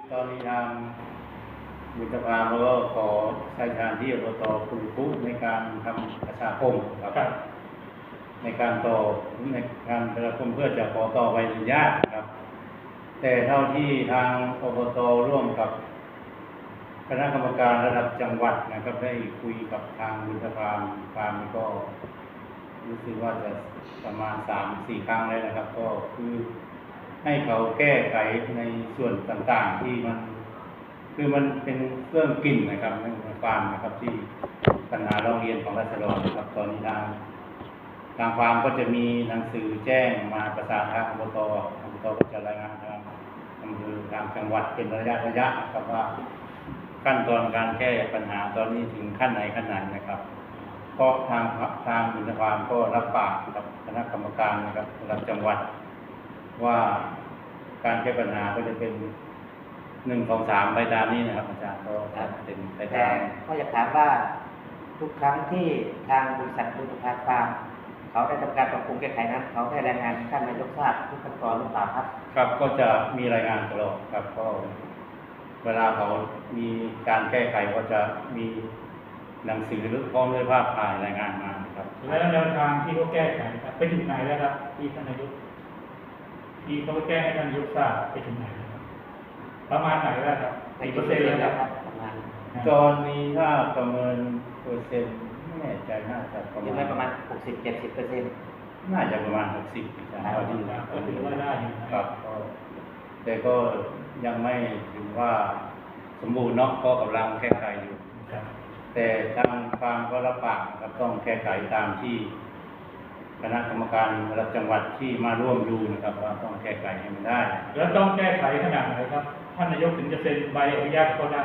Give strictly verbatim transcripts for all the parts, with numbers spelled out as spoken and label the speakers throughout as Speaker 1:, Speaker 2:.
Speaker 1: ตอนนี้ทางบุตรภาเขาก็ขอใช้ทางที่อบตคุณคุในการทำประชาคมครับ ในการต่อในการประชาคมเพื่อจะขอต่อใบอนุญาตครับ แต่เท่าที่ทางอบตร่วมกับคณะกรรมการระดับจังหวัดนะครับได้คุยกับทางบุตรภาฟาร์มก็รู้สึกว่าจะประมาณสามสี่ครั้งแล้วนะครับ ก็คือให้เขาแก้ไขในส่วนต่างๆที่มันคือมันเป็นเครื่องกลิ่นนะครับในฟาร์มนะครับที่ปัญหาร้องเรียนของราษฎรนะครับตอนนี้ทางทางฟาร์มก็จะมีหนังสือแจ้งมาประสานทางอบตอบตก็จะรายงานทางอำเภอทางจังหวัดเป็นระยะระยะนะครับว่าขั้นตอนการแก้ปัญหาตอนนี้ถึงขั้นไหนขั้นไหนนะครับก็ทางทางบุญฟาร์มก็รับปากกับคณะกรรมการนะครับระดับจังหวัดว่าการแก้ปัญหาก็จะเป็นหนึ่งสองสามไปตามนี้นะครับอาจารย์ก็เป็นไปตาม
Speaker 2: ก็อยากถามว่าทุกครั้งที่ทางบริษัทบุญฟาร์มฟาร์มเขาได้ทำการปรับปรุงแก้ไขนั้นเขาได้รายงานท่านนายกทราบทุกขั้นตอนหรือเปล่าครับ
Speaker 1: ครับก็จะมีรายงานตลอดครับก็เวลาเขามีการแก้ไขก็จะมีหนังสือหรือพร้อมด้วยภาพถ่ายรายงานมาครับ
Speaker 3: แล้วแนวทางที่เขาแก้ไขครับไปถึงไหนแล้วครับที่ท่านนายกที่เขาแก้ให้ท่านนายกทราบไปถึงไหนครับประมาณไหนแล้วครับกี่เปอร์เซ็นต์แล้วครับประมาณ
Speaker 1: ตอนนี้ถ้าประเมินเปอร์เซ็นต์ไม่แน่ใจน่าจะประมาณ
Speaker 2: ประมาณหกสิบเจ็ดสิบเปอร์เซ็นต์
Speaker 1: น่าจะประมาณหกสิบนะ
Speaker 3: เท่าที่ก็ถือว่าได้อยู่
Speaker 1: ครับแต่ก็ยังไม่ถึงว่าสมบูรณ์เนาะก็กำลังแก้ไขอยู่แต่ทางฟาร์มก็รับปากครับต้องแก้ไขตามที่คณะกรรมการระดับจังหวัดที่มาร่วมดูนะครับว่าต้องแก้ไขให้มันได้
Speaker 3: แล้วต้องแก้ไขขนาดไหนครับท่านนายกถึงจะเซ็นใบอนุญาตเขาได้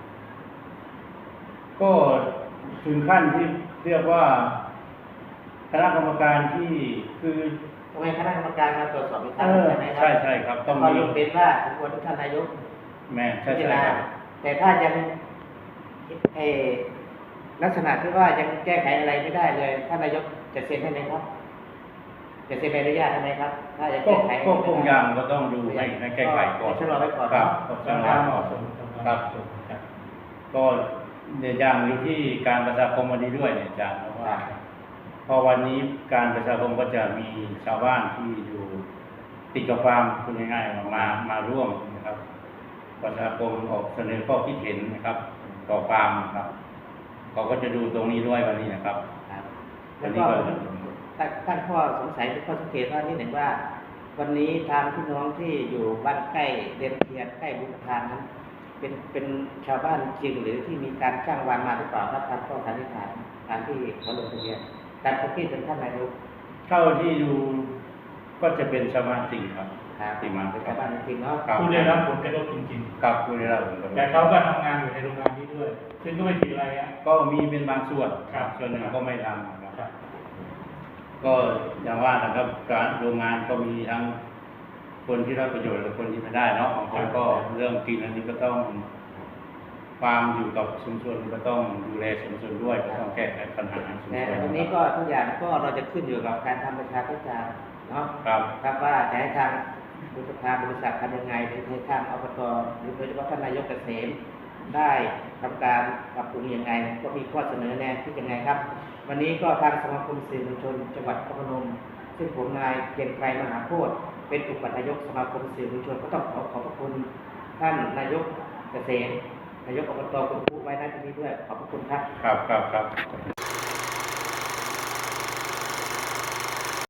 Speaker 1: ก็ถึงขั้นที่เรียกว่าคณะกรรมการที่คือ
Speaker 2: ทำไมคณะกรรมการมาตรวจสอบอีกครั้งใช่ไหมครับ
Speaker 1: ใช่ใช่ครับต้อง
Speaker 2: มีเป็นว่าสมควรที่ท่านนายก
Speaker 1: แม่ใช่ใช่
Speaker 2: แต่ถ้ายังเอลักษณะที่ว่ายังแก้ไขอะไรไม่ได้เลยท่านนายกจะเซ็นให้ไหมครับจะเซ็นใบอนุญาตให้ไหมครับถ้ายังแก้ไข
Speaker 1: ก็คงยังก็ต้องดูให้ให้แก้ไขก่อน
Speaker 2: ชะลอไว้ก่อน
Speaker 1: ครับชะลอก่อนครับก็เนี่ยยังอยู่ที่การประชาคมวันนี้ด้วยเนี่ยอาจารย์เพราะว่าพอวันนี้การประชาคมก็จะมีชาวบ้านที่อยู่ติดกับฟาร์มคุณง่ายๆมามาร่วมนะครับประชาคมออกเสนอข้อคิดเห็นนะครับต่อฟาร์มครับเขาก็จะดูตรงนี้ด้วยวันนี้นะครับ
Speaker 2: แล้วก็ตั้งข้อสงสัยข้อสังเกตว่าที่หนึ่งว่าวันนี้ทางพี่น้องที่อยู่บ้านใกล้เดนเทียนใกล้บุญทานนั้นเป็นเป็นชาวบ้านจริงหรือที่มีการจ้างวานมาหรือเปล่าครับทางข้อสันนิษฐานการที่เขาลงทะเบียนการพบที่เป็นท่านนายก
Speaker 1: เท่าที่ดูก็จะเป็นชาวบ้านจริงครับ
Speaker 2: จริงมาเป็นชาวบ้านจริงเนาะ
Speaker 3: ผู้ได้รับผลกระทบจริง
Speaker 1: ๆครับผู้ได้รับผลกระทบ
Speaker 3: แต่เขาก็ทำงานอยู่ในโรงงานนี้ด้วยซึ่งก็ไม่ผิดอะไรอ่ะ
Speaker 1: ก็มีเป็นบางส่วนส่วนหนึ่งก็ไม่ทำนะครับก็อย่างว่านะครับการโรงงานก็มีทั้งคนที่ได้ประโยชน์และคนที่ไม่ได้เนาะบางคนก็เรื่องกินอันนี้ก็ต้องฟาร์มอยู่กับชุมชนก็ต้องดูแลชุมชนด้วยก็ต้องแก้ไขปัญหาชุมชน
Speaker 2: วันนี้ก็ทุกอย่างก็เราจะขึ้นอยู่กับการทำประชาพิจารณ์เนาะ
Speaker 1: ครับ
Speaker 2: ครับว่าจะให้ทางบริษัทบริษัททำยังไงหรือให้ทางอบตหรือโดยเฉพาะท่านนายกเกษมได้ทำการปรับปรุงยังไงก็มีข้อเสนอแนะที่ยังไงครับวันนี้ก็ทางสมาคมสื่อมวลชนจังหวัดนครพนมซึ่งผมนายเกียรติไกรมหาโพธิ์เป็นอุปนายกสมาคมสื่อมวลชนก็ต้องขอขอบพระคุณท่านนายกเกษมนายกอบตคุณผู้ไว้ณที่นี้ด้วยขอบพระคุณครับ
Speaker 1: ครับครับครับ